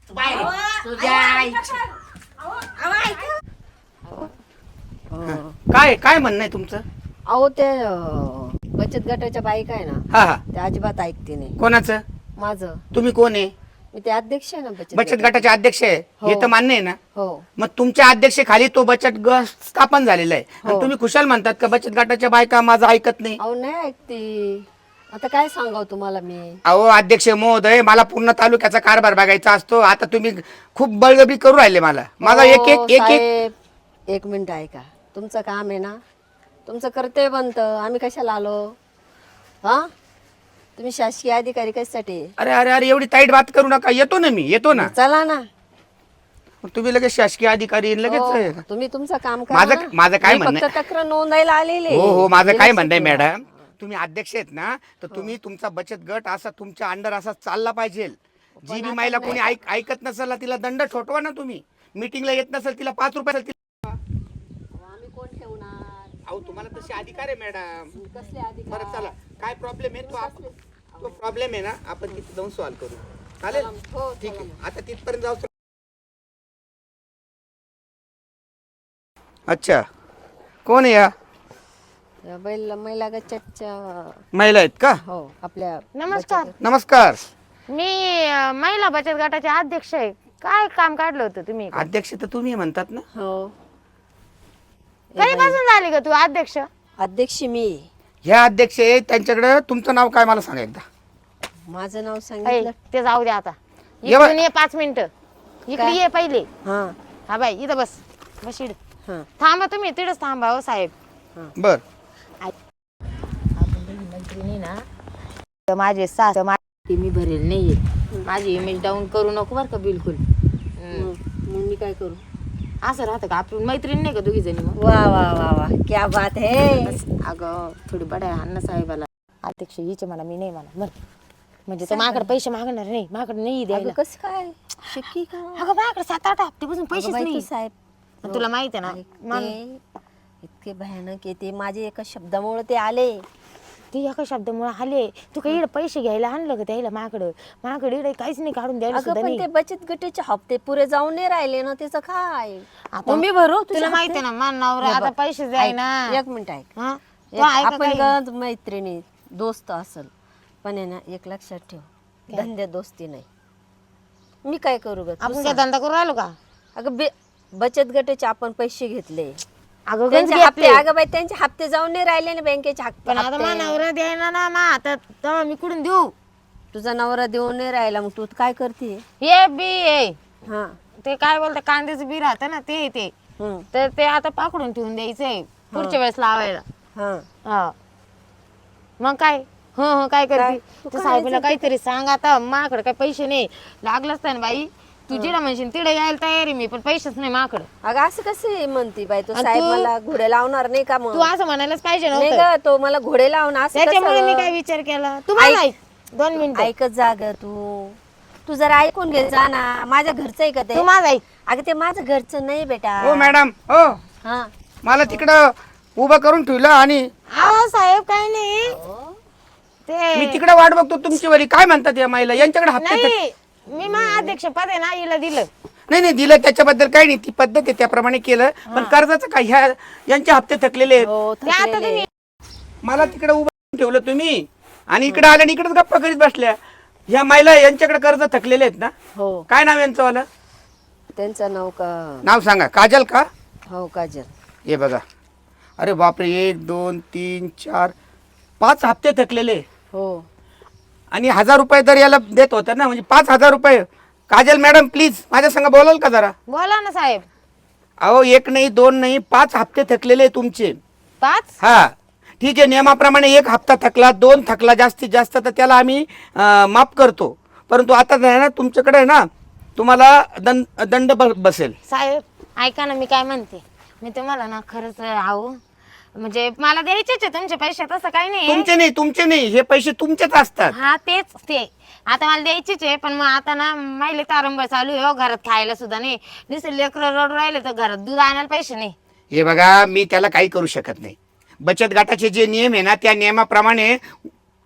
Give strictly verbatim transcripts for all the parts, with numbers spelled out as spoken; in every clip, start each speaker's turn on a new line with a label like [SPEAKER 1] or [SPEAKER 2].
[SPEAKER 1] काय काय म्हणणं आहे तुमचं?
[SPEAKER 2] अहो ते अं, बचत गटाच्या बायका आहे ना,
[SPEAKER 1] हा हा,
[SPEAKER 2] ते अजिबात ऐकते नाही.
[SPEAKER 1] कोणाचं?
[SPEAKER 2] माझं
[SPEAKER 1] तुम्ही कोण आहे?
[SPEAKER 2] मी ते अध्यक्ष आहे ना बचत
[SPEAKER 1] बचत
[SPEAKER 2] गटाचे.
[SPEAKER 1] गटाचे अध्यक्ष आहे हे
[SPEAKER 2] हो.
[SPEAKER 1] तर मान्य आहे ना?
[SPEAKER 2] हो
[SPEAKER 1] मग तुमच्या अध्यक्षेखाली तो बचत गट स्थापन झालेला आहे आणि
[SPEAKER 2] हो.
[SPEAKER 1] तुम्ही खुशाल म्हणतात का बचत गटाच्या बायका माझं ऐकत नाही?
[SPEAKER 2] अहो नाही ऐकते. आता काय सांगाव तुम्हाला मी?
[SPEAKER 1] अहो अध्यक्ष महोदय, मला पूर्ण तालुक्याचा कारभार बघायचा असतो. आता तुम्ही खूप बळजबरी करू राहिले मला. माझा एक एक
[SPEAKER 2] हो,
[SPEAKER 1] एक एक
[SPEAKER 2] साहेब, एक मिनिट ऐका. तुमचं काम आहे ना, तुमचं कर्तव्य बनतं. आम्ही कशाला आलो? हा, तुम्ही शासकीय अधिकारी कशासाठी?
[SPEAKER 1] अरे अरे अरे एवढी ताईट बात करू नका. येतो ना मी, येतो ना.
[SPEAKER 2] चला ना.
[SPEAKER 1] मग तुम्ही लगेच शासकीय अधिकारी लगेच
[SPEAKER 2] हो, तुम्ही तुमचं काम करा
[SPEAKER 1] माझं
[SPEAKER 2] ना.
[SPEAKER 1] माझं काय
[SPEAKER 2] मी
[SPEAKER 1] म्हणणं
[SPEAKER 2] फक्त तक्रार नोंदायला आलेले.
[SPEAKER 1] हो हो माझं काय म्हणणं आहे मॅडम, तुम्ही अध्यक्ष आहेत ना, तर तुम्ही तुमचा बचत गट असा तुमच्या अंडर असा चालला पाहिजे. जी बी महिला कोणी ऐक ऐकत नसेल ना, तिला दंड ठोठवा ना. तुम्ही मीटिंगला येत नसेल तिला पाच रुपये
[SPEAKER 2] आम्ही कोण ठेवणार?
[SPEAKER 1] अहो तुम्हाला तसे अधिकार आहे मॅडम.
[SPEAKER 2] कसले अधिकार?
[SPEAKER 1] बरं चला, काय प्रॉब्लेम आहे तो आप- तो प्रॉब्लेम आहे ना, आपण तिथे जाऊन सॉल्व्ह करू. चालेल?
[SPEAKER 2] हो,
[SPEAKER 1] ठीक आहे, आता तिथपर्यंत जाऊ. अच्छा, कोण आहे या
[SPEAKER 2] या बैल महिला गटाच्या
[SPEAKER 1] महिला आहेत का?
[SPEAKER 2] हो आपल्या
[SPEAKER 3] नमस्कार.
[SPEAKER 1] नमस्कार.
[SPEAKER 3] मी अ, महिला बचत गटाचे अध्यक्ष आहे. काय काम काढलं होतं तुम्ही?
[SPEAKER 1] अध्यक्ष तर तुम्ही म्हणतात ना?
[SPEAKER 2] हो
[SPEAKER 3] कधीपासून झाली का तू अध्यक्ष?
[SPEAKER 2] अध्यक्ष मी.
[SPEAKER 1] ह्या अध्यक्ष आहे, त्यांच्याकडे तुमचं नाव काय मला सांगा एकदा.
[SPEAKER 2] माझं नाव
[SPEAKER 3] ऐ,
[SPEAKER 2] सांगितलं.
[SPEAKER 3] ते जाऊ दे आता.
[SPEAKER 1] ये बा-
[SPEAKER 3] इकडून ये पाच मिनिटं. इकडे
[SPEAKER 2] काय?
[SPEAKER 3] ये पहिले.
[SPEAKER 2] हा
[SPEAKER 3] हा बाई इथं बस. बस इकडे.
[SPEAKER 2] हा
[SPEAKER 3] थांबा तुम्ही तिथेच थांबा हो साहेब.
[SPEAKER 1] बर.
[SPEAKER 3] आपण दोघी मैत्रिणी ना, तर माझे सास माझी मी भरेल नाहीये. माझी इमेज डाऊन करू नको बरं का बिलकुल. हम्म.
[SPEAKER 2] मग मग मी काय करू?
[SPEAKER 3] असं राहतं का आपण मैत्रीण नाही का दोघी जणी? मग
[SPEAKER 2] वा वा वा वा क्या बात है.
[SPEAKER 3] बस, अगं थोडी बड्या अण्णा साहेबाला अध्यक्ष हिचे म्हणा मी नाही म्हणा बरं. म्हणजे तो माझ्याकडे पैसे मागणार नाही, माझ्याकडे नाही
[SPEAKER 2] अगं
[SPEAKER 3] द्यायला.
[SPEAKER 2] कसं काय शक्की का?
[SPEAKER 3] अगं माझ्याकडे सात आठ हप्तेपासून पैसेच
[SPEAKER 2] अगं बाई,
[SPEAKER 3] नाही.
[SPEAKER 2] तू साहेब
[SPEAKER 3] आणि तुला माहिती आहे ना
[SPEAKER 2] ऐक,
[SPEAKER 3] मन-
[SPEAKER 2] ते इतके भयानक आहे ते. माझे एका शब्दामुळे ते आले.
[SPEAKER 3] ती एका शब्दामुळे आले. तू काही इकडे पैसे घ्यायला आणलं का द्यायला माझ्याकडं? माझ्याकडे इकडे काहीच नाही काढून द्यायला
[SPEAKER 2] अगं
[SPEAKER 3] सुद्धा
[SPEAKER 2] पण
[SPEAKER 3] नाही.
[SPEAKER 2] ते बचत गटाचे हप्ते पुरे जाऊन नाही राहिले ना, त्याचं काय?
[SPEAKER 3] आता
[SPEAKER 2] मग मी भरू
[SPEAKER 3] तुला माहिती आहे ना मान नवरा
[SPEAKER 2] हे
[SPEAKER 3] आता
[SPEAKER 2] बघ,
[SPEAKER 3] पैसे द्याय ना.
[SPEAKER 2] ऐक, एक मिनिट ऐक.
[SPEAKER 3] हा?
[SPEAKER 2] एक
[SPEAKER 3] तो ऐका
[SPEAKER 2] आपण
[SPEAKER 3] काही.
[SPEAKER 2] गंज मैत्रिणी दोस्त असल, पण आहे ना एक लक्षात ठेव, धंद्या दोस्ती नाही. मी काय करू ग? तू
[SPEAKER 3] आपण काय
[SPEAKER 2] सांग.
[SPEAKER 3] धंदा करू राहिलो का?
[SPEAKER 2] अगं बे- बचत गटाचे आपण पैसे घेतले,
[SPEAKER 3] अगं गंज
[SPEAKER 2] त्यांचे हप्ते,
[SPEAKER 3] घेतले.
[SPEAKER 2] अगं बाई त्यांचे हप्ते जाऊन नाही राहिले ना बँकेचे हप्ते.
[SPEAKER 3] पण आता मान नवरा द्यायला ना मा आता तेव्हा मी कुठून देऊ?
[SPEAKER 2] तुझा नवरा देऊन नाही राहिला, मग तू काय करते?
[SPEAKER 3] हे बी आहे
[SPEAKER 2] हा
[SPEAKER 3] ते काय बोलतं कांद्याचं बी राहतं ना ते ते
[SPEAKER 2] हम्म,
[SPEAKER 3] तर ते आता पाकडून ठेवून द्यायचंय पुढच्या वेळेस लावायला.
[SPEAKER 2] हा
[SPEAKER 3] हा मग काय हो हो काय
[SPEAKER 2] काय?
[SPEAKER 3] करते
[SPEAKER 2] तू
[SPEAKER 3] तू
[SPEAKER 2] काय
[SPEAKER 3] साहेबाला
[SPEAKER 2] करायचं?
[SPEAKER 3] काहीतरी सांग. आता माझ्याकडे काय पैसे नाही. लागलंच ना बाई तू जिला म्हणशील तिकडे यायला तयार आहे मी, पण पैसेच नाही माझ्याकडे.
[SPEAKER 2] अगं असं कसं म्हणती बाई तू?
[SPEAKER 3] आणि
[SPEAKER 2] साहेब
[SPEAKER 3] तू-
[SPEAKER 2] मला घोडे लावणार नाही का? मग
[SPEAKER 3] तू असं म्हणायलाच पाहिजे
[SPEAKER 2] नाही
[SPEAKER 3] नव्हतं.
[SPEAKER 2] ग, तो मला घोडे लावून असं
[SPEAKER 3] त्याच्यामुळे मी
[SPEAKER 2] कसं?
[SPEAKER 3] काय विचार केला तुम्हाला ऐक दोन मिनिट
[SPEAKER 2] ऐकत जा ग तू. तू जरा ऐकून घे जा ना. माझ्या घरचं आहे का ते?
[SPEAKER 3] तू माझं ऐक.
[SPEAKER 2] अगं ते माझं घरचं नाही बेटा.
[SPEAKER 1] हो मॅडम, हो
[SPEAKER 2] हा
[SPEAKER 1] मला तिकडं उभं करून ठेवलं आणि
[SPEAKER 3] आहो साहेब काय नाही ते
[SPEAKER 1] मी तिकडे वाट बघतो तुमची वरी. काय म्हणतात या महिला? यांच्याकडे हप्ते थक-
[SPEAKER 3] नाही मी मा अध्यक्ष पद आहे ना हिला दिलं.
[SPEAKER 1] नाही नाही दिलं त्याच्याबद्दल काही नाही, ती पद्धत आहे त्याप्रमाणे केलं. पण कर्जाचं काय? ह्या यांचे हप्ते थकलेले आहेत.
[SPEAKER 2] हो
[SPEAKER 3] ते आता
[SPEAKER 2] थकलेले.
[SPEAKER 3] तुम्ही
[SPEAKER 1] मला तिकडे उभं करून ठेवलं तुम्ही आणि इकडे आल्या आणि इकडेच गप्पा करीत बसल्या. ह्या महिला यांच्याकडे कर्ज थकलेले आहेत ना?
[SPEAKER 2] हो
[SPEAKER 1] काय नाव यांचं वालं?
[SPEAKER 2] त्यांचं नाव का?
[SPEAKER 1] नाव सांगा. काजल का?
[SPEAKER 2] हो काजल.
[SPEAKER 1] हे बघा, अरे बापरे, एक दोन तीन चार पाच हप्ते थकलेले
[SPEAKER 2] हो
[SPEAKER 1] आणि हजार रुपये तर याला देत होता ना, म्हणजे पाच हजार रुपये. काजल मॅडम प्लीज माझ्या संग बोलाल का जरा?
[SPEAKER 3] बोला ना साहेब.
[SPEAKER 1] अहो एक नाही दोन नाही पाच हप्ते थकलेले तुमचे.
[SPEAKER 3] पाच
[SPEAKER 1] हा ठीक आहे, नियमाप्रमाणे एक हप्ता थकला, दोन थकला जास्तीत जास्त तर त्याला आम्ही अं, माफ करतो. परंतु आता आहे ना तुमच्याकडे आहे ना, तुम्हाला दंड दंड ब- बसेल.
[SPEAKER 3] साहेब ऐका ना मी काय म्हणते. मी तुम्हाला ना खरंच आहो म्हणजे मला द्यायचेच आहे तुमचे पैसे, तसं काही नाही.
[SPEAKER 1] तुमचे नाही तुमचे नाही, हे पैसे तुमचेच असतात.
[SPEAKER 3] हा तेच ते आता मला द्यायचेच आहे. पण मग आता ना माहिले तारंबळ चालू आहे हो, घरात खायला सुद्धा नाही. नुसते लेकरं रडू राहिले तर घरात दूध आणायला पैसे नाही.
[SPEAKER 1] हे बघा मी त्याला काही करू शकत नाही. बचत गटाचे जे नियम आहे ना त्या नियमाप्रमाणे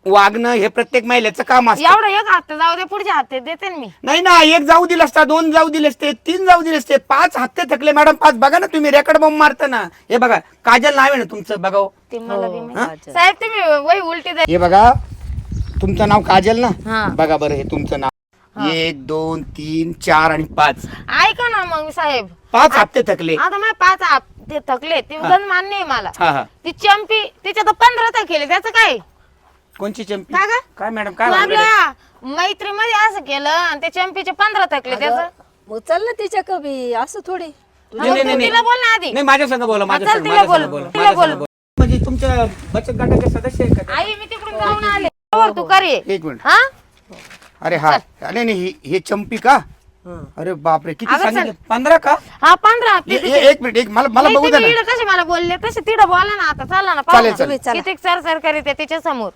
[SPEAKER 1] वागणं हे प्रत्येक महिलेचं काम असतं.
[SPEAKER 3] एवढं एक हप्ता जाऊ दे, पुढच्या हप्ते देते ना मी.
[SPEAKER 1] नाही ना, एक जाऊ दिलं असता, दोन जाऊ दिले असते, तीन जाऊ दिले असते, पाच हप्ते थकले मॅडम, पाच. बघा ना तुम्ही रेकॉर्ड बॉम्ब मारता ना. हे बघा काजल नाव आहे ना तुमचं, बघा हो.
[SPEAKER 3] ते मला बी
[SPEAKER 2] हो,
[SPEAKER 3] माहिती. साहेब तुम्ही वही उलटी द्या.
[SPEAKER 1] हे बघा तुमचं नाव काजल
[SPEAKER 3] हा.
[SPEAKER 1] ना. बघा बरं हे तुमचं नाव, एक दोन तीन चार आणि पाच,
[SPEAKER 3] ऐका ना मग साहेब,
[SPEAKER 1] पाच हप्ते थकले.
[SPEAKER 3] आता मला पाच हप्ते थकले ते गण मान्य आहे मला.
[SPEAKER 1] हा हा.
[SPEAKER 3] ती चंपी तिच्या तर पंधरा थकले, त्याचं काय?
[SPEAKER 1] कोणची चंपी?
[SPEAKER 3] का ग?
[SPEAKER 1] काय मॅडम काय
[SPEAKER 3] तू
[SPEAKER 1] भानगड आहे?
[SPEAKER 3] आपल्या मैत्रीमध्ये असं केलं आणि ते चंपीचे पंधरा थकले, त्याचं
[SPEAKER 2] मग चल ना तिच्या कवी, असं थोडी.
[SPEAKER 1] नाही, नाही, नाही,
[SPEAKER 3] तिला बोल ना आधी.
[SPEAKER 1] नाही माझ्या संग बोला, माझ्या
[SPEAKER 3] चल
[SPEAKER 1] संग,
[SPEAKER 3] तिला
[SPEAKER 1] माझ्या
[SPEAKER 3] बोल,
[SPEAKER 1] संग बोला,
[SPEAKER 3] तिला
[SPEAKER 1] माझ्या
[SPEAKER 3] बोल.
[SPEAKER 1] संग बोला. म्हणजे तुमच्या बचत गटाचे सदस्य आहे का ते?
[SPEAKER 3] आई मी तिकडून जाऊन आले. बरोबर, तू कर ये.
[SPEAKER 1] एक मिनिट.
[SPEAKER 3] हा
[SPEAKER 1] अरे हा, नाही नाही हे- हे चंपी का?
[SPEAKER 2] हं.
[SPEAKER 1] अरे बापरे, किती
[SPEAKER 3] अगं
[SPEAKER 1] सांगितलं? पंधरा का?
[SPEAKER 3] हा पंधरा हप्ते
[SPEAKER 1] ए-
[SPEAKER 3] तिचे.
[SPEAKER 1] ए- एक मिनिट, एक मला मला बघू द्या ना.
[SPEAKER 3] इकडे कसे मला बोलले तसे तिकडे बोला ना. आता चला ना,
[SPEAKER 1] चालेल,
[SPEAKER 3] पाहू
[SPEAKER 1] चालेल.
[SPEAKER 3] ना. किती सर सर करीत तिच्या समोर.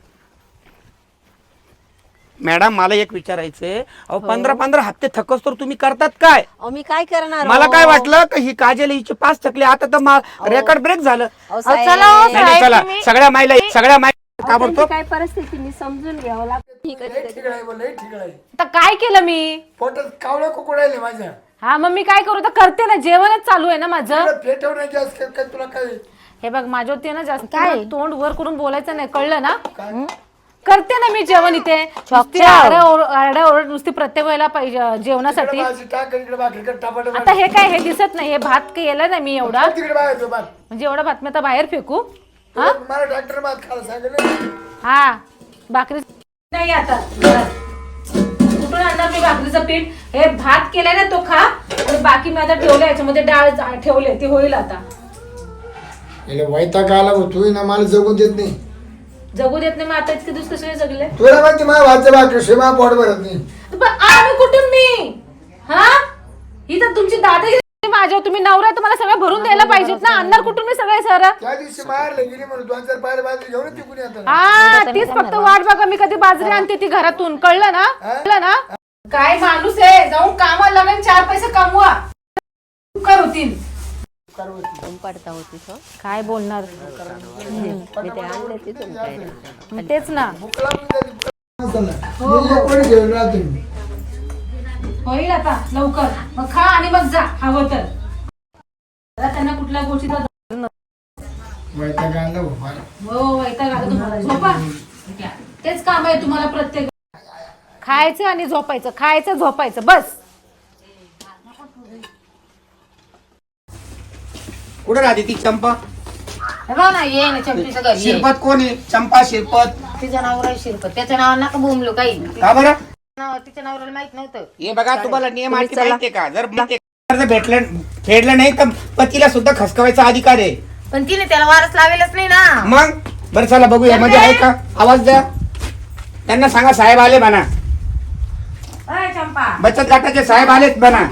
[SPEAKER 1] मॅडम मला एक विचारायचंय, अहो पंधरा पंधरा हप्ते थकस तर तुम्ही करतात काय?
[SPEAKER 2] अहो मी काय करणार
[SPEAKER 1] मला
[SPEAKER 2] हो?
[SPEAKER 1] काय वाटलं की ही काजल हिचे पाच थकले, आता तर रेकॉर्ड ब्रेक झालं.
[SPEAKER 2] अहो,
[SPEAKER 3] अहो,
[SPEAKER 2] साहेब,
[SPEAKER 3] चला हो,
[SPEAKER 1] नाही, नाही,
[SPEAKER 3] साहेब,
[SPEAKER 1] चला
[SPEAKER 3] तुम्ही-
[SPEAKER 1] सगळ्या मायला सगळ्या माय
[SPEAKER 2] अहो,
[SPEAKER 1] ताबडतोब
[SPEAKER 2] त्यांची काय परिस्थिती मी समजून घ्यावं लागतं. ठीक आहे, ठीक आहे.
[SPEAKER 4] तर काय केलं मी
[SPEAKER 5] पोटात कावळे कुकुडायले माझ्या
[SPEAKER 4] हा मग मी काय करू तर करते ना, जेवणच चालू आहे ना माझं.
[SPEAKER 5] पेटवण्याची असं काय तुला काय
[SPEAKER 4] हे बघ माझ्यावरती आहे ना जास्त काय तोंड वर करून बोलायचं नाही, कळलं ना? करते ना मी जेवण इथे. नुसती आरडाओरड आरडाओरड नुसती प्रत्येक वेळेला पाहिजे जेवणासाठी.
[SPEAKER 5] माझी टाक इकडे भाकरी टापाट
[SPEAKER 4] आता हे काय हे दिसत नाही, हे भात केलं ना मी एवढा,
[SPEAKER 5] तिकडे बाहेर तो भात
[SPEAKER 4] म्हणजे एवढा भात मी आता बाहेर फेकू. हा
[SPEAKER 5] मला डॉक्टर भात खायला सांगितलं
[SPEAKER 4] हा भाकरी नाही आता कुठून आणणार मी भाकरीचं पीठ? हे भात केलाय ना तो खा, आणि बाकी मी आता ठेवलं याच्यामध्ये डाळ जा- ठेवले ते होईल आता.
[SPEAKER 5] वैताग आला तू ना मला जगून देत नाही.
[SPEAKER 4] जगू देत नाही, मग आता इतके दिवस कसे जगले?
[SPEAKER 5] तुला माहिती माझ्या भातचं भाकरी शिमा पोट भरत नाही.
[SPEAKER 4] पण आम्ही कुठून मी हा ही तर तुमची दादागिरी माझ्यावर. तुम्ही नवरा तुम्हाला सगळं भरून द्यायला पाहिजेत ना, आणणार कुठून मी सगळे सर?
[SPEAKER 5] त्या दिवशी मारले गेली म्हणून दोन चार पायऱ्या बाजरी घेऊन तिकून येतात.
[SPEAKER 4] हा तीच फक्त वाट बघा, मी कधी बाजरी आणते ती घरातून, कळलं ना? कळलं ना? काय माणूस आहे, जाऊन कामाला लागेल, चार पैसे कमवा, कर होतील.
[SPEAKER 2] दम पडता होती तो.
[SPEAKER 4] काय बोलणार?
[SPEAKER 2] मी ते आणले तिथून काय रे.
[SPEAKER 4] मग तेच ना,
[SPEAKER 5] कोणी घेऊन राहतो मी.
[SPEAKER 4] होईल आता लवकर. मग खा आणि मग जा हवं तर. जरा त्यांना कुठल्या गोष्टीचा
[SPEAKER 5] वैताग आला भाऊ मला.
[SPEAKER 4] हो वैताग आला तुम्हाला. झोपा, तेच काम आहे तुम्हाला प्रत्येक. खायचं आणि झोपायचं, खायचं झोपायचं बस.
[SPEAKER 1] कुठे राहते ती चंपा?
[SPEAKER 3] हे बघ ना, ये ना चंपीचं घर ये.
[SPEAKER 1] शिरपत कोण आहे? चंपा शिरपत
[SPEAKER 3] तिचं नाव आहे शिरपत, त्याच्या नावावर नका बोंबलो काही.
[SPEAKER 1] का बरं?
[SPEAKER 3] नाव तिच्या नावाला माहित नव्हतं.
[SPEAKER 1] हे बघा तुम्हाला नियम अटी माहितीये का? जर माहितीये का? जर भेटलं फेडलं नाही तर पतीला सुद्धा खसकवायचा अधिकार आहे.
[SPEAKER 3] पण तिने त्याला वारस लावेलच नाही ना.
[SPEAKER 1] मग बरं चला बघूया, मध्ये आहे का? आवाज द्या, त्यांना सांगा साहेब आले म्हणा,
[SPEAKER 3] अय चंपा,
[SPEAKER 1] बचत गटाचे साहेब आलेत म्हणा.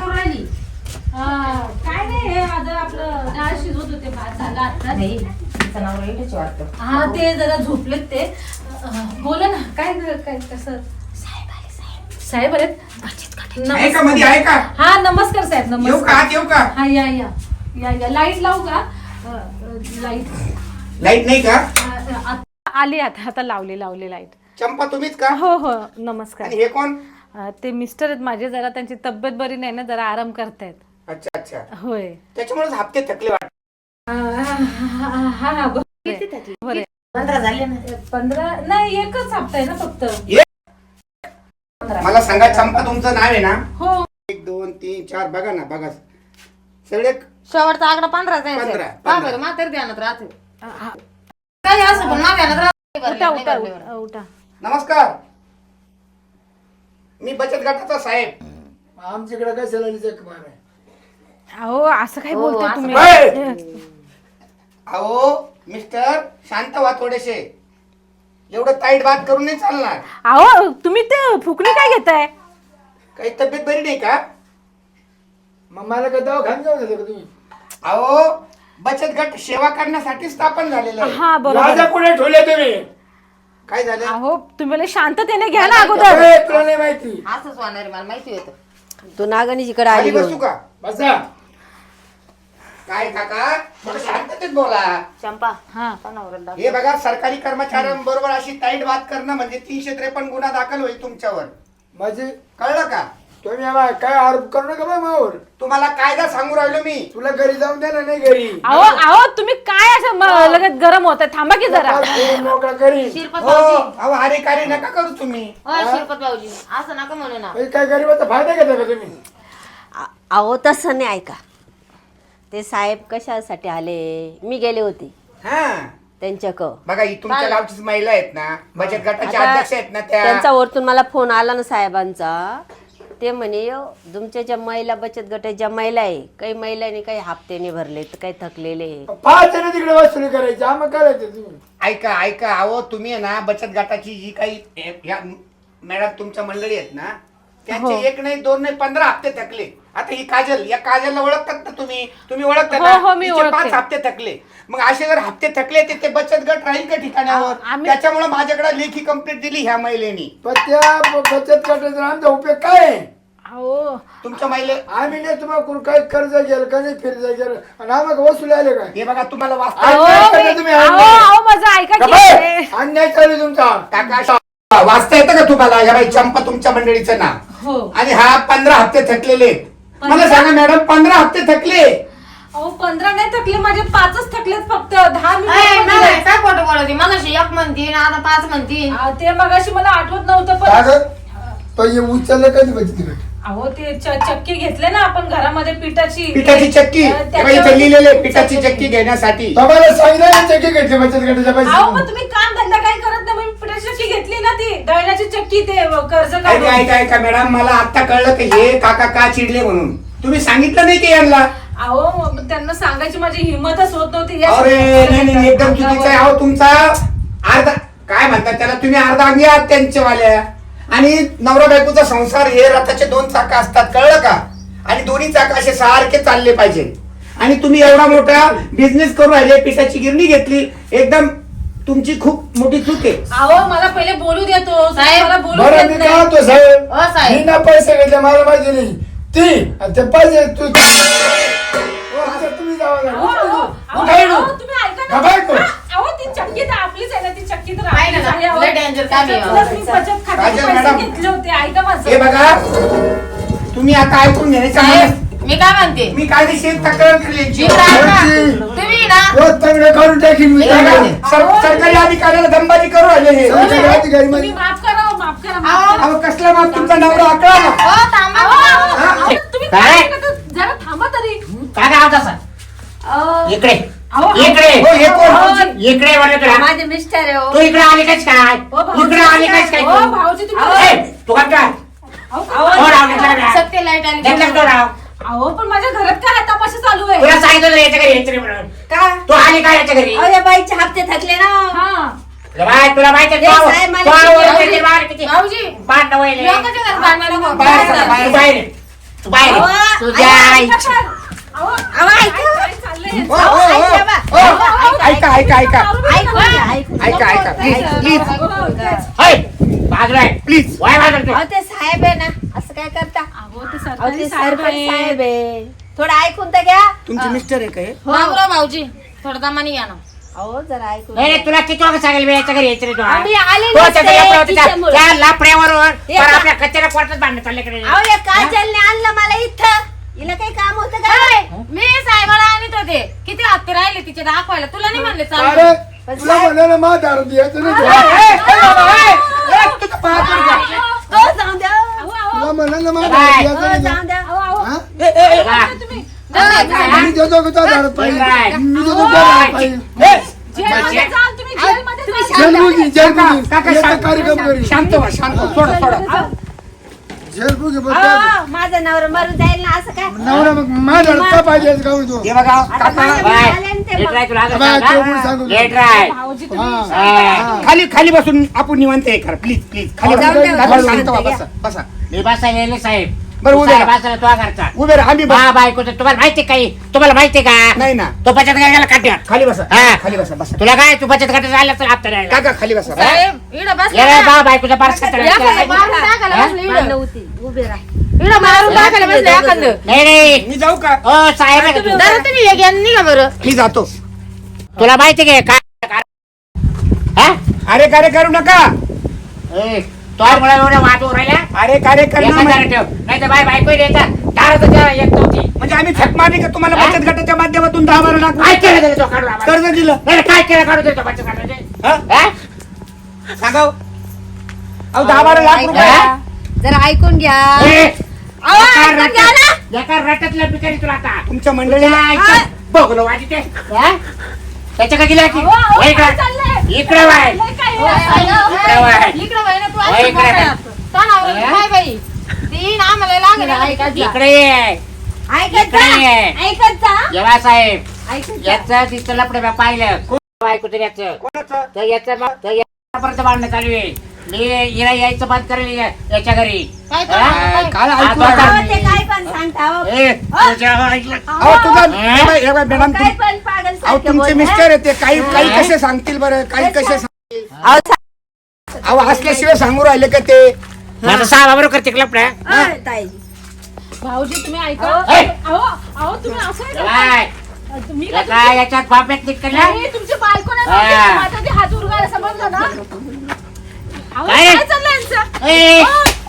[SPEAKER 4] काय नाही, हे माझं आपलं डाळ शिजवत होते, भात झाला आता.
[SPEAKER 3] नाही तिचं नाव राहिलच वाटतं.
[SPEAKER 4] हा ते जरा झोपलेत ते. अं, बोला ना, काय काय कसं? साहेब आलेत.
[SPEAKER 1] आहे का मध्ये? आहे का?
[SPEAKER 4] हा नमस्कार साहेब,
[SPEAKER 1] येऊ का?
[SPEAKER 4] नमस्कार.
[SPEAKER 1] आत येऊ का?
[SPEAKER 4] हा या या या या लाईट लावू का? अं, अं, लाईट
[SPEAKER 1] लाईट नाही का?
[SPEAKER 4] अं, आता आली, आता आता लावली लावली लाईट.
[SPEAKER 1] चंपा तुम्हीच का?
[SPEAKER 4] हो हो नमस्कार.
[SPEAKER 1] आणि हे कोण?
[SPEAKER 4] अं, ते मिस्टर आहेत माझे, जरा त्यांची तब्येत बरी नाही ना, जरा आराम करतायत.
[SPEAKER 1] अच्छा अच्छा,
[SPEAKER 4] होय.
[SPEAKER 1] त्याच्यामुळे हप्ते थकले वाटत.
[SPEAKER 4] हा हा हा बरं.
[SPEAKER 3] पंधरा झाले ना.
[SPEAKER 4] पंधरा नाही, एकच हप्ता आहे ना फक्त.
[SPEAKER 1] मला सांगा चंपा तुमचं नाव आहे ना?
[SPEAKER 4] हो.
[SPEAKER 1] एक दोन तीन चार, बघा ना बघा सगळे.
[SPEAKER 3] शेवटचा आकडा पंधरा जायचं.
[SPEAKER 1] पंधरा,
[SPEAKER 3] पहा
[SPEAKER 1] पंधरा.
[SPEAKER 3] बरं, म्हातारी ध्यानात राहते. काही असं पण माझ्या ध्यानात राहते.
[SPEAKER 4] उठा
[SPEAKER 3] नाही
[SPEAKER 4] उठा
[SPEAKER 3] भरल्यावर.
[SPEAKER 4] उठा उठा.
[SPEAKER 1] नमस्कार, मी बचत गटाचा साहेब.
[SPEAKER 5] आमच्याकडे काय सलानी जग मार आहे.
[SPEAKER 4] अहो असं काय
[SPEAKER 3] हो,
[SPEAKER 4] बोलताय
[SPEAKER 3] असं
[SPEAKER 4] तुम्ही?
[SPEAKER 1] काय? अहो मिस्टर शांत व्हा थोडेसे, एवढं ताईट बात करून नाही चालणार.
[SPEAKER 4] अहो तुम्ही ते फुकणी काय घेताय?
[SPEAKER 1] काही तब्येत बरी नाही का?
[SPEAKER 5] मग मला काय दवाखान्यात जाऊ देता का तुम्ही?
[SPEAKER 1] अहो बचत गट सेवा करण्यासाठी स्थापन झालेलं आहे.
[SPEAKER 4] हा बरोबर
[SPEAKER 5] राजा
[SPEAKER 4] आहे.
[SPEAKER 5] कुठे ठेवले तुम्ही?
[SPEAKER 1] काय झालं?
[SPEAKER 4] अहो तुम्ही मला शांततेने घ्या ना अगोदर.
[SPEAKER 5] ए, तुला नाही माहिती.
[SPEAKER 3] असंच होणार आहे, मला माहिती होतं.
[SPEAKER 2] तू नागणीजीकडे
[SPEAKER 1] खाली
[SPEAKER 2] आली
[SPEAKER 1] बसू
[SPEAKER 2] घेऊन.
[SPEAKER 1] का?
[SPEAKER 5] बसा.
[SPEAKER 1] काय काका थोडं शांततेत बोला.
[SPEAKER 3] चंपा
[SPEAKER 4] हा
[SPEAKER 3] नवरा दाखव.
[SPEAKER 1] हे बघा सरकारी कर्मचाऱ्यांबरोबर अशी टाईट बात करणं म्हणजे तीनशे त्रेपन्न गुन्हा दाखल होईल तुमच्यावर.
[SPEAKER 5] माझे
[SPEAKER 1] कळलं का?
[SPEAKER 5] तुम्ही आम्हाला काय आरोप करू नका बा मावर.
[SPEAKER 1] तुम्हाला कायदा सांगू राहिलो मी.
[SPEAKER 5] तुला घरी जाऊन द्या ना, नाही घरी
[SPEAKER 4] अहो अहो तुम्ही काय असं म- लगेच गरम होत थांबा की जरा.
[SPEAKER 5] पाच फोन मोकळा करी.
[SPEAKER 3] शिरपत
[SPEAKER 1] हो
[SPEAKER 3] भाऊजी
[SPEAKER 1] अहो अरे कार्य नका करू तुम्ही.
[SPEAKER 3] हो शिरपत भाऊजी असं नका म्हणू ना.
[SPEAKER 5] हे काय गरीबाचा फायदा घेता का तुम्ही?
[SPEAKER 2] आ- अहो तसं नाही. ऐका, ते साहेब कशासाठी आले, मी गेले होते
[SPEAKER 1] हा
[SPEAKER 2] त्यांच्याक.
[SPEAKER 1] बघा ही तुमच्या गावचीच महिला आहेत ना, बचत गटाच्या
[SPEAKER 2] आता
[SPEAKER 1] अध्यक्ष आहेत ना त्या.
[SPEAKER 2] त्यांचा वरतून मला फोन आला ना साहेबांचा. ते म्हणे "यो, तुमच्या ज्या महिला बचत गटाच्या ज्या महिला आहे, काही महिलांनी काही हप्त्याने भरले तर काही थकलेले आहे."
[SPEAKER 5] पाच जण तिकडे वसुली करायची, आम्हाला करायचं तुम्ही.
[SPEAKER 1] ऐका ऐका अहो तुम्ही आहे ना बचत गटाची जी काही हे- ह्या मॅडम तुमच्या मंडळी आहेत ना त्यांचे एक नाही दोन नाही पंधरा हप्ते थकले. आता ही काजल, या काजलला ओळखतात ना तुम्ही? तुम्ही ओळखता
[SPEAKER 4] हो,
[SPEAKER 1] ना?
[SPEAKER 4] हो, मी
[SPEAKER 1] तिचे
[SPEAKER 4] ओळखते.
[SPEAKER 1] पाच हप्ते थकले. मग असे जर हप्ते थकले ते ते बचत गट राहील का ठिकाणावर?
[SPEAKER 4] आम्ही-
[SPEAKER 1] त्याच्यामुळे माझ्याकडे लेखी कंप्लेंट दिली ह्या महिलेनी.
[SPEAKER 5] पण त्या ब- बचत गटाचा आमचा उपयोग काय आहे?
[SPEAKER 4] अहो
[SPEAKER 1] तुमच्या महिले
[SPEAKER 5] आम्ही नाही तुम्हाला कोण काही कर्ज गेलं का नाही फिरज गेलं आणि आम्हाला वसुली आले काय?
[SPEAKER 1] हे बघा तुम्हाला
[SPEAKER 5] अहो,
[SPEAKER 1] वाचता
[SPEAKER 5] काय करता तुम्ही?
[SPEAKER 4] अहो अहो माझं ऐका की.
[SPEAKER 5] गप्प! अन्याय चालू आहे तुमचा.
[SPEAKER 1] काका वाचता येतं का तुम्हाला? ह्या बाई चंपा तुमच्या मंडळीचं नाव
[SPEAKER 4] हो
[SPEAKER 1] आणि हा पंधरा हप्ते थकलेले आहेत. मला सांगा मॅडम पंधरा हप्ते थकले.
[SPEAKER 4] अहो पंधरा नाही थकले, माझे पाचच थकलेत फक्त. दहा
[SPEAKER 3] ए,
[SPEAKER 4] मिनिट
[SPEAKER 3] मगाशी काय खोटं बोलत मगाशी एक म्हणतीन आता पाच म्हणतीन.
[SPEAKER 4] ते मगाशी मला आठवत नव्हतं
[SPEAKER 5] काय
[SPEAKER 4] पण.
[SPEAKER 5] गं? तो हे उचललं कधी बचत गट?
[SPEAKER 4] अहो ते च- चक्की घेतले ना आपण घरामध्ये पिठाची.
[SPEAKER 1] पिठाची चक्की
[SPEAKER 4] अ,
[SPEAKER 1] हे बाई
[SPEAKER 4] त्याच्यावर-
[SPEAKER 1] इथे लिहिलेले आहे, पिठाची चक्की घेण्यासाठी.
[SPEAKER 5] तुम्हाला सांगितलं ना चक्की घेतली बचत गटाच्या
[SPEAKER 4] अहो पण
[SPEAKER 5] पैसे.
[SPEAKER 4] तुम्ही काम धंदा काय करत नाही, मी पिठाची चक्की घेतली ना, ती दळण्याची चक्की, ते कर्ज
[SPEAKER 1] ऐका
[SPEAKER 4] काढून.
[SPEAKER 1] ऐका ऐका मॅडम मला आता कळलं की हे काका का चिडले म्हणून. तुम्ही सांगितलं नाही की यांना?
[SPEAKER 4] अहो मग त्यांना सांगायची माझी हिंमतच होत नव्हती. या
[SPEAKER 1] अरे नाही नाही नाही, एकदम
[SPEAKER 4] अंगावर-
[SPEAKER 1] चुकीचं आहे. अहो तुमचा अर्धा काय म्हणतात त्याला, तुम्ही अर्धा अंगी आहात त्यांच्यावाल्या. आणि नवरा बायकोचा संसार हे रथाचे दोन चाक असतात, कळलं का? आणि दोन्ही चाक असे सारखे चालले पाहिजे. आणि तुम्ही एवढा मोठा बिझनेस करू राहिले, पिठाची गिरणी घेतली, एकदम तुमची खूप मोठी चूक आहे.
[SPEAKER 4] अहो मला पहिले बोलू देतो
[SPEAKER 3] साहेब,
[SPEAKER 4] मला बोलू
[SPEAKER 5] बरं
[SPEAKER 4] देत
[SPEAKER 5] मी
[SPEAKER 4] नाही.
[SPEAKER 5] काय होतो साहेब,
[SPEAKER 3] हो साहेब.
[SPEAKER 5] मी ना पैसे घेतले मला माहिती नाही ती आणि ते पैसे तू हो, आता तुम्ही जावा
[SPEAKER 4] अहो,
[SPEAKER 5] ना.
[SPEAKER 4] अहो, अहो,
[SPEAKER 5] उठाय
[SPEAKER 4] अहो,
[SPEAKER 5] ना.
[SPEAKER 4] तुम्ही ऐका
[SPEAKER 5] का
[SPEAKER 4] ना.
[SPEAKER 5] बायको?
[SPEAKER 4] अहो ती चक्की तर आपलीच आहे ना, ती चक्की तर
[SPEAKER 3] आहे ना,
[SPEAKER 4] आपलीच आहे. अहो,
[SPEAKER 3] लय danger काम आहे.
[SPEAKER 4] त्याच्यातूनच मी बचत खात्याचे
[SPEAKER 1] काजल
[SPEAKER 4] पैसे
[SPEAKER 1] मॅडम.
[SPEAKER 4] घेतले होते. ऐका माझं.
[SPEAKER 1] हे बघा तुम्ही आता ऐकून घेण्याच्या
[SPEAKER 3] साहेब
[SPEAKER 1] मनात-
[SPEAKER 3] मी काय म्हणते
[SPEAKER 1] मी कायदेशीर तक्रार केली यांची.
[SPEAKER 3] इकडं ऐका.
[SPEAKER 5] वरती.
[SPEAKER 3] तुम्ही ना
[SPEAKER 5] रोज तंगडे काढून टाकीन मी.
[SPEAKER 3] हे बघा.
[SPEAKER 1] सर- सरकारी अधिकाऱ्याला दंबाजी करू राहिले हे.
[SPEAKER 5] सरकारी अधिकारी
[SPEAKER 4] तुम्ही
[SPEAKER 5] म्हणजे
[SPEAKER 4] माफ करा हो, माफ करा माफ
[SPEAKER 3] अहो,
[SPEAKER 4] करा.
[SPEAKER 1] अहो कसला माप तुमचा नवरा आकळा ना.
[SPEAKER 3] हो थांबा
[SPEAKER 4] अहो, अहो,
[SPEAKER 3] ना.
[SPEAKER 4] अहो, तुम्ही
[SPEAKER 6] काय?
[SPEAKER 4] काय करता? जरा थांबा तरी.
[SPEAKER 6] काय नाव तसा
[SPEAKER 2] अहो,
[SPEAKER 6] इकडे
[SPEAKER 4] अहो,
[SPEAKER 6] इकडे
[SPEAKER 1] हो, हे कोण?
[SPEAKER 2] अहो,
[SPEAKER 6] इकडे म्हणलं तुला
[SPEAKER 2] माझे मिस्टर आहे हो.
[SPEAKER 6] तू इकडे आली कस काय
[SPEAKER 4] हो, भाऊजी,
[SPEAKER 6] इकडे आली कस काय
[SPEAKER 4] हो,
[SPEAKER 6] तू?
[SPEAKER 4] भाऊजी तुम्ही
[SPEAKER 6] ए, तू काय काय
[SPEAKER 4] अहो,
[SPEAKER 6] तो राव घेतला का?
[SPEAKER 3] सत्य लाईट आली
[SPEAKER 6] घेतला का तो राव
[SPEAKER 4] अहो पण माझ्या घरात काय तपाशी चालू आहे.
[SPEAKER 6] तुला सांगितलं ना याच्या घरी यायचं नाही म्हणून
[SPEAKER 2] का?
[SPEAKER 6] तू आली काय याच्या घरी
[SPEAKER 2] अहो, या बाईचे हप्ते थकले ना.
[SPEAKER 4] हा
[SPEAKER 6] बाय तुला माहिती आहे,
[SPEAKER 2] ए,
[SPEAKER 6] तू-
[SPEAKER 2] साहेब, मला
[SPEAKER 6] तू आवडत
[SPEAKER 2] किती-
[SPEAKER 6] नाही, ते बाहेर किती
[SPEAKER 3] भाऊजी
[SPEAKER 6] भांडणं व्हायले.
[SPEAKER 3] लोकांच्या घरात भांडणं नको.
[SPEAKER 1] बाहेर चला,
[SPEAKER 3] बाहेर
[SPEAKER 1] बाहेर.
[SPEAKER 6] तू बाहेर ये. तू बाहेर ये.
[SPEAKER 2] अहो,
[SPEAKER 6] तुझ्या आईची
[SPEAKER 4] अहो,
[SPEAKER 2] अहो, ऐका.
[SPEAKER 4] काय चाललंय
[SPEAKER 1] हो,
[SPEAKER 4] यांचं?
[SPEAKER 1] हो, हो,
[SPEAKER 2] ऐका बा.
[SPEAKER 1] हो. ऐका ऐका ऐका
[SPEAKER 2] ऐकून घ्या, ऐकून घ्या.
[SPEAKER 1] ऐका ऐका प्लीज प्लीज
[SPEAKER 6] होय, बाजूला आहे.
[SPEAKER 1] प्लीज
[SPEAKER 6] वाय बाजूला तू.
[SPEAKER 2] अहो, ते साहेब आहे ना, असं काय करता?
[SPEAKER 4] अहो ते
[SPEAKER 2] अहो,
[SPEAKER 4] सरकारी
[SPEAKER 2] ते
[SPEAKER 4] साहेब
[SPEAKER 2] सरकारी
[SPEAKER 4] आहे.
[SPEAKER 2] साहेब आहे. थोडं ऐकून तर घ्या.
[SPEAKER 1] तुमचे मिस्टर आहे का हे?
[SPEAKER 3] बाबूराव भाऊजी थोडं दमानी घ्या ना.
[SPEAKER 2] अहो जरा ऐकून
[SPEAKER 6] नाही नाही,
[SPEAKER 2] घ्या.
[SPEAKER 6] तुला किती वाजता सांगेल मी याच्या घरी यायचं नाही तू, हा?
[SPEAKER 2] आम्ही आले
[SPEAKER 6] तो
[SPEAKER 2] नसते
[SPEAKER 6] त्याच्या लफड्यावर होता, त्या-
[SPEAKER 2] तिच्यामुळे.
[SPEAKER 6] त्या लफड्यावरून
[SPEAKER 2] हे
[SPEAKER 6] पर
[SPEAKER 2] का?
[SPEAKER 6] आपल्या कचऱ्या कोर्टात भांडणं चालले कडे
[SPEAKER 2] अहो या काजलने आणलं मला इथं. हिला काही काम होतं का?
[SPEAKER 3] काय? मी साहेबाला आणत होते किती हप्ते राहिले तिचे दाखवायला. तुला नाही म्हणले चालू.
[SPEAKER 5] अरे तुला म्हणाला मा दारू द्यायचं नाही.
[SPEAKER 1] ए, ए, बाबा, ए, ए, तुझं पाय पडू द्या.
[SPEAKER 2] अहो, जाऊन द्या.
[SPEAKER 4] अहो, अहो,
[SPEAKER 5] तुला म्हणाला मा
[SPEAKER 6] काय?
[SPEAKER 5] दारू द्यायचं
[SPEAKER 2] अहो,
[SPEAKER 5] नाही.
[SPEAKER 2] जाऊन द्या.
[SPEAKER 4] अहो, अहो.
[SPEAKER 5] हा?
[SPEAKER 1] ए, ए, ए,
[SPEAKER 6] हा.
[SPEAKER 4] तुम्ही
[SPEAKER 5] मी देतो का तुला दारू पाहिजे?
[SPEAKER 6] काय?
[SPEAKER 5] मी देतो तुला दारू पाहिजे.
[SPEAKER 1] ए,
[SPEAKER 4] जेलमध्ये जाल तुम्ही, जेलमध्ये
[SPEAKER 2] तुम्ही
[SPEAKER 4] जाल.
[SPEAKER 5] जेलबुगी जेलबुगी
[SPEAKER 1] काका
[SPEAKER 5] याचा
[SPEAKER 1] शांत
[SPEAKER 5] कार्यक्रम करी
[SPEAKER 1] शांत व्हा शांत व्हा. सोडा सोडा
[SPEAKER 5] जेलबुगी बघ
[SPEAKER 2] अहो, माझा नवरा मरून जाईल ना असं काय?
[SPEAKER 5] नवरा मग माझ्या का पाहिजे का तो
[SPEAKER 1] हे बघा
[SPEAKER 2] आता
[SPEAKER 1] काका
[SPEAKER 2] माझ्या
[SPEAKER 6] बाय.
[SPEAKER 2] आले ना ते
[SPEAKER 6] लेट
[SPEAKER 2] मग.
[SPEAKER 6] राय तुला आता
[SPEAKER 5] बाय,
[SPEAKER 6] सांगा.
[SPEAKER 5] तो पण सांगू दे.
[SPEAKER 6] लेट राय.
[SPEAKER 4] भाऊजी तुम्ही
[SPEAKER 5] हा.
[SPEAKER 6] हा.
[SPEAKER 1] खाली खाली बसून आपण निवांत हे करा प्लीज प्लीज खाली
[SPEAKER 2] जाऊन
[SPEAKER 1] बसा.
[SPEAKER 2] द्या,
[SPEAKER 1] दादा,
[SPEAKER 2] जाऊन
[SPEAKER 1] शांत व्हा
[SPEAKER 2] द्या.
[SPEAKER 1] बसा बसा
[SPEAKER 6] मी बसायला येले साहेब
[SPEAKER 1] बरं, उभे
[SPEAKER 6] साहेब
[SPEAKER 1] राहा.
[SPEAKER 6] बसायला तुझ्या घरचा
[SPEAKER 1] उभे राहा आम्ही बस
[SPEAKER 6] बा बायकोचं तुम्हाला माहिती काही तुम्हाला माहिती का
[SPEAKER 1] नाही ना
[SPEAKER 6] तो बचत गटाला काट्यात
[SPEAKER 1] खाली बसा
[SPEAKER 6] हा.
[SPEAKER 1] खाली बसा बसा
[SPEAKER 6] तुला काय तू बचत गटात राहिला तर हप्ता राहिला
[SPEAKER 1] काका खाली बसा
[SPEAKER 3] साहेब इकडं बस
[SPEAKER 6] ये रे बा बायकोचा बार
[SPEAKER 3] या साहेब, मारून टाकायला
[SPEAKER 6] हा?
[SPEAKER 3] बसले इकडं.
[SPEAKER 2] भांडणं होती उभे राहा
[SPEAKER 3] इकडं मारून टाकायला बसलं एखादं.
[SPEAKER 6] नाही नाही
[SPEAKER 1] मी जाऊ का
[SPEAKER 6] हो साहेब आहे का तू?
[SPEAKER 3] जरा तुम्ही एक यानं निघा बरं.
[SPEAKER 1] मी जातो.
[SPEAKER 6] तुला माहिती काय काय हा?
[SPEAKER 1] अरे कार्य करू नका.
[SPEAKER 6] ए, तो आहे मला एवढ्या वाटू राहिल्या
[SPEAKER 1] अरे कार्य
[SPEAKER 6] एका
[SPEAKER 1] करणं
[SPEAKER 6] दारात ठेव नाही तर बाय बायको द्यायचा दारात त्या एक नव्हती
[SPEAKER 1] म्हणजे आम्ही थक मारली का तुम्हाला बचत गटाच्या माध्यमातून दहा बारा लाख
[SPEAKER 6] काय केलं त्याने तो काढून आम्हाला?
[SPEAKER 1] कर्ज दिलं
[SPEAKER 6] नाही, काय केलं काढून देतो बच्चा काढून
[SPEAKER 1] हा?
[SPEAKER 6] हा?
[SPEAKER 1] सांगा हो. अहो दहा बारा लाख रुपये
[SPEAKER 6] हा?
[SPEAKER 2] जरा ऐकून घ्या
[SPEAKER 6] ए,
[SPEAKER 2] अहो,
[SPEAKER 6] एका
[SPEAKER 2] ऐकून घ्या ना.
[SPEAKER 6] रट्यात- एका रट्यातल्या बिचारी तुला आता
[SPEAKER 1] तुमच्या मंडळीला
[SPEAKER 6] बघलो वाटते त्याच्या का गेल्या की
[SPEAKER 4] अहो, अहो,
[SPEAKER 6] वळ
[SPEAKER 4] काय
[SPEAKER 6] इकडं.
[SPEAKER 4] चाललंय?
[SPEAKER 6] इकडं वाय
[SPEAKER 4] लय काय
[SPEAKER 3] हो,
[SPEAKER 4] आहे?
[SPEAKER 3] सांगा.
[SPEAKER 6] इकडं वाय
[SPEAKER 3] इकडं बाई ना तू
[SPEAKER 6] हो,
[SPEAKER 3] असं
[SPEAKER 6] इकडे.
[SPEAKER 3] बघायला. तो नवरा
[SPEAKER 6] हा?
[SPEAKER 3] काय बाई ती ना आम्हाला लागेल
[SPEAKER 2] ऐकत जा.
[SPEAKER 6] इकडे ये
[SPEAKER 2] ऐकत
[SPEAKER 6] इकडे
[SPEAKER 2] जा
[SPEAKER 6] ये
[SPEAKER 2] ऐकत जा
[SPEAKER 6] जेव्हा साहेब
[SPEAKER 2] ऐकत जा
[SPEAKER 6] याचं तिथं लपडे बा पाहिलं बायको तर याचं
[SPEAKER 1] कोणाचं
[SPEAKER 6] तर याचं मग- तर याच्यापर्यंत भांडणं चालू आहे मी हिला यायचं बंद करेल या- याच्या घरी
[SPEAKER 3] काय
[SPEAKER 6] हा?
[SPEAKER 3] करणार?
[SPEAKER 1] काय
[SPEAKER 6] हा,
[SPEAKER 1] ऐकू
[SPEAKER 6] तो
[SPEAKER 1] नका.
[SPEAKER 2] अहो, ते काय पण सांगता अहो.
[SPEAKER 6] ए, तुझ्या ऐकलं.
[SPEAKER 1] अहो तुझा
[SPEAKER 6] हा?
[SPEAKER 1] हे बाई- हे बाई, मॅडम
[SPEAKER 2] काय
[SPEAKER 1] तुम-
[SPEAKER 2] पण पागल
[SPEAKER 1] अहो
[SPEAKER 2] सारखे
[SPEAKER 1] तुमचे
[SPEAKER 2] बोल,
[SPEAKER 1] मिस्टर आहे ते काही काही
[SPEAKER 6] हा?
[SPEAKER 1] कसे सांगतील बरं काही कसे सांगतील
[SPEAKER 2] अहो, सा-
[SPEAKER 1] अहो असल्याशिवाय सांगू राहिले का ते
[SPEAKER 6] माझं सहा बरोबर करते लपड्या
[SPEAKER 2] अहो, ताई
[SPEAKER 4] भाऊजी तुम्ही ऐका
[SPEAKER 6] ए!
[SPEAKER 4] अहो अहो तुम्ही असं आहे
[SPEAKER 6] काय
[SPEAKER 4] का? तुम्ही काय
[SPEAKER 6] काय याच्यात बाप्यात निघलं
[SPEAKER 4] अरे, तुमची बायको नाही
[SPEAKER 6] हा.
[SPEAKER 4] नव्हती. माझा ते हात उरवायला समजलं ना अहो,
[SPEAKER 6] काय?
[SPEAKER 4] काय चाललंय यांचं
[SPEAKER 6] ए,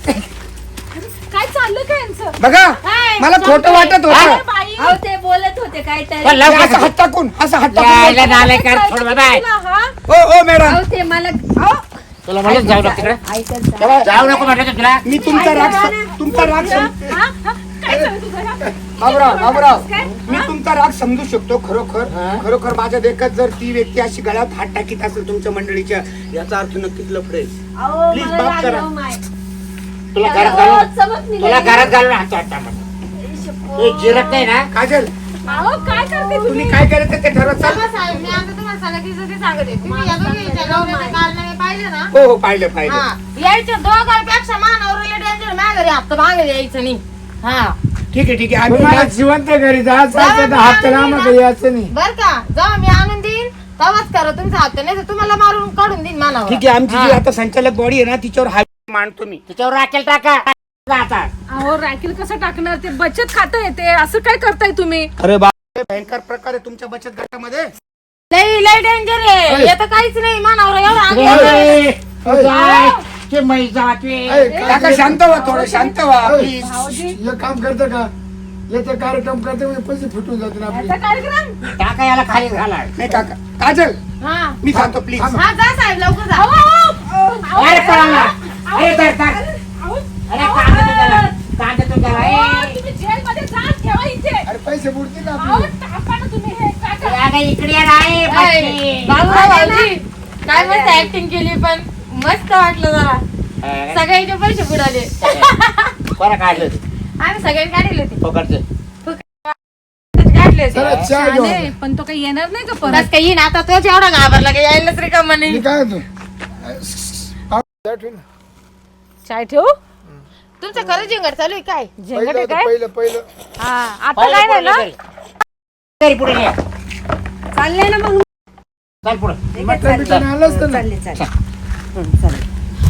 [SPEAKER 4] काय चाललं काय यांचं
[SPEAKER 1] बघा
[SPEAKER 3] काय?
[SPEAKER 1] मला खोटं वाटत
[SPEAKER 4] अरे
[SPEAKER 1] होतं
[SPEAKER 4] बाई
[SPEAKER 2] अहो ते बोलत होते
[SPEAKER 6] पण
[SPEAKER 2] काहीतरी
[SPEAKER 6] लवकर
[SPEAKER 1] असं हात टाकून असं हात
[SPEAKER 6] यायला
[SPEAKER 1] टाकून
[SPEAKER 6] नालाय कर थोडं बाय
[SPEAKER 4] तुला, हा?
[SPEAKER 1] ओ ओ मॅडम
[SPEAKER 2] अहो ते मला अहो,
[SPEAKER 6] तुला म्हणत जाऊ नको तिकडे
[SPEAKER 2] ऐकत जा
[SPEAKER 1] तेव्हा
[SPEAKER 6] जाऊ नको म्हटलं तुला
[SPEAKER 1] मी तुमचा राग सम- तुमचा राग सम-
[SPEAKER 4] हा? हा? काय चाललं तुझं हा?
[SPEAKER 1] बाबूराव बाबूराव
[SPEAKER 4] काय?
[SPEAKER 1] मी तुमचा राग समजू शकतो खरोखर खरोखर माझ्या देखत जर ती व्यक्ती अशी गळ्यात हात टाकीत असेल तुमच्या मंडळीच्या याचा अर्थ नक्कीच लफडेल
[SPEAKER 2] अहो
[SPEAKER 1] Please,
[SPEAKER 2] मला
[SPEAKER 1] माफ
[SPEAKER 2] राग
[SPEAKER 1] करा.
[SPEAKER 2] येऊ माय.
[SPEAKER 6] तुला घरात
[SPEAKER 2] अहो,
[SPEAKER 6] घालून
[SPEAKER 2] चमक निघाली.
[SPEAKER 6] तुला घरात घालून हात टाकता तू जिरत नाही ना
[SPEAKER 1] काजल
[SPEAKER 4] अहो काय करते तुम्ही
[SPEAKER 1] तुम्ही काय करायचं ते ठरवत चाल
[SPEAKER 3] चला साहेब, मी आता तुम्हाला सांगितलं ते सांगते. तुम्ही या दोघींच्या नवऱ्याचे कारनामे पाहिले ना?
[SPEAKER 1] हो हो पाहिलं पाहिलं
[SPEAKER 3] हा. यायच्या दोघांपेक्षा मानावरला डेंजर माझ्या घरी हप्ता मागे यायचं नाही. हा.
[SPEAKER 1] ठीक आहे ठीक आहे आम्ही
[SPEAKER 5] तुम्हाला जिवंत घरी जायचं असेल तर हात आम्हाला यायचं नाही
[SPEAKER 3] बर का जेव्हा मी आणून देईन तेव्हाच करा तुमचा हप्ता नाही तर तुम्हाला मारून काढून देईन मानावर.
[SPEAKER 1] ठीक आहे आमची जी आता संचालक बॉडी आहे ना तिच्यावर हात मांडतो मी
[SPEAKER 6] तिच्यावर राखेल टाका आता
[SPEAKER 4] अहो राखील कसं टाकणार ते बचत खातं येते असं काय करताय तुम्ही
[SPEAKER 1] अरे बा भयंकर प्रकार आहे तुमच्या बचत गटामध्ये
[SPEAKER 3] लई लई डेंजर आहे येतं काहीच नाही मानावर एवढं आग येतं.
[SPEAKER 6] ए, काय? ते मै जाते
[SPEAKER 5] ऐ, काय
[SPEAKER 1] काका शांत व्हा थोडं शांत व्हा
[SPEAKER 5] ऐ,
[SPEAKER 1] प्लीज
[SPEAKER 5] हे काम करतं का याचा कार्यक्रम करते म्हणजे पैसे फुटून जातील
[SPEAKER 4] याचा
[SPEAKER 5] आपले
[SPEAKER 4] कार्यक्रम
[SPEAKER 6] टाका याला खाली घाला
[SPEAKER 1] नाही काका काजल
[SPEAKER 3] हा
[SPEAKER 1] मी सांगतो प्लीज
[SPEAKER 3] हा जा साहेब लवकर जा.
[SPEAKER 6] अरे पळाला अरे धर धर अरे कांदा तुझ्याला कांदा तुझ्याला ए.
[SPEAKER 4] तुम्ही जेलमध्ये जा ठेवा इथे
[SPEAKER 5] अरे पैसे बुडतील ना
[SPEAKER 4] अहो
[SPEAKER 5] आपले
[SPEAKER 4] टाका ना तुम्ही हे काय करा?
[SPEAKER 6] अगं इकडे ये ना, ए, बाई.
[SPEAKER 3] बाबूराव भाऊजी काय मस्त ऍक्टिंग केली पण मस्त वाटलं जरा
[SPEAKER 6] अरे,
[SPEAKER 3] सगळ्यांचे पैसे बुडाले
[SPEAKER 6] बरं काढलं होतं.
[SPEAKER 3] आम्ही सगळ्यांनी काढले होते
[SPEAKER 6] फुकटचं.
[SPEAKER 3] काढले होते
[SPEAKER 5] चला चहा घेऊ
[SPEAKER 4] शाने, पण तो काही येणार नाही का परत
[SPEAKER 3] बस काही येईन आता तोच एवढा घाबरला की यायलाच रिकामा
[SPEAKER 5] मी
[SPEAKER 3] नाही
[SPEAKER 5] काय होतो पहिलं
[SPEAKER 4] चाय ठेवू
[SPEAKER 3] तुमचं खरं जिंगड चालू आहे काय
[SPEAKER 4] झेंगट आहे
[SPEAKER 5] होतं,
[SPEAKER 4] काय
[SPEAKER 5] पहिलं पहिलं
[SPEAKER 4] हा आता
[SPEAKER 6] पहिलं
[SPEAKER 4] काय नाही
[SPEAKER 6] पुढे
[SPEAKER 4] ना
[SPEAKER 6] घरी. घरी पुढे ये.
[SPEAKER 2] चालले ना मग
[SPEAKER 6] चल पुढे
[SPEAKER 5] मटण बिटण आणलं असतं ना
[SPEAKER 2] चालले चालले हं, चालले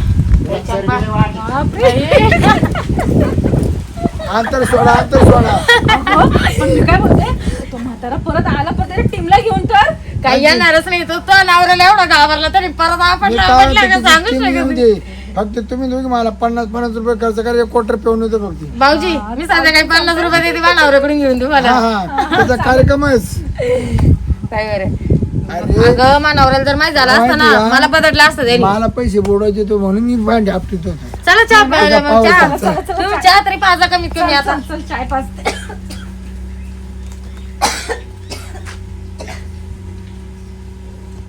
[SPEAKER 5] अंतर सोडा अंतर सोडा
[SPEAKER 4] अहो, पण मी काय बोलते तो म्हातारा परत आला पण त्याच्या टीमला घेऊन तर
[SPEAKER 3] काही येणारच नाही तो तो नवऱ्याला एवढा घाबरला तरी परत
[SPEAKER 5] मी
[SPEAKER 3] आपणला
[SPEAKER 5] काय
[SPEAKER 3] आपणला
[SPEAKER 5] म्हणतो,
[SPEAKER 3] का सांगूच
[SPEAKER 5] किती
[SPEAKER 3] शकत
[SPEAKER 5] येऊन
[SPEAKER 3] नाही.
[SPEAKER 5] दे. फक्त तुम्ही दोघी मला पन्नास पन्नास रुपये खर्च करा एक क्वार्टर पिऊन येतो फक्त
[SPEAKER 3] भाऊजी मी संध्याकाळी पन्नास रुपये देते मला नवऱ्याकडून घेऊन देऊ
[SPEAKER 5] हा
[SPEAKER 3] मला
[SPEAKER 5] हा त्याचा कार्यक्रमच
[SPEAKER 3] काय बरं
[SPEAKER 5] अरे
[SPEAKER 3] अगं मानावऱ्याला जर माहित झालं असतं ना
[SPEAKER 5] माहिती आहे.
[SPEAKER 3] मला बदललं असतं त्यांनी
[SPEAKER 5] मला पैसे बोडवायचे तो म्हणून मी भांडी आपटीत होतो
[SPEAKER 3] चला चहा प्यायला मग
[SPEAKER 5] पाऊस
[SPEAKER 3] चहा
[SPEAKER 5] आहे, चला.
[SPEAKER 3] तुम्ही चहा तरी पाजा कमीत कमी आता
[SPEAKER 4] चल चल चाय पाच